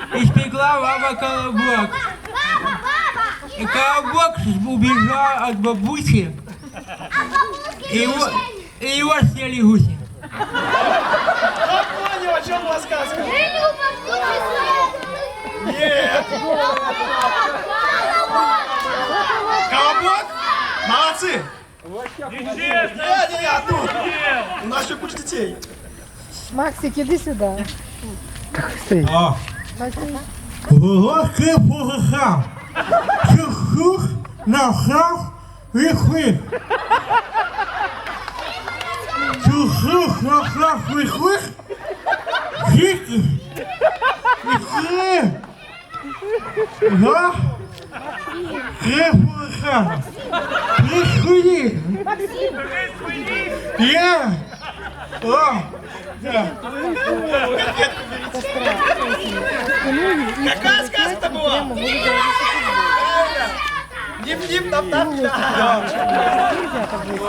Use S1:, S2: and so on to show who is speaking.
S1: испекла баба колобок. И колобок убежал от бабуси, и его съели гуси.
S2: Я понял, о чем была сказка. Нет. Колобок? Молодцы. Не, тут. У нас еще куча детей.
S3: Максик, іди сюди.
S1: О, волоски погахав, чух-чух, нахав, вих-вих. Чух-чух, нахав, вих-вих. Жики, вих-вих. Га, крепо-гахав. Присхуди. Я. О, да.
S2: Какая сказка была? Дип-дип, тап-тап.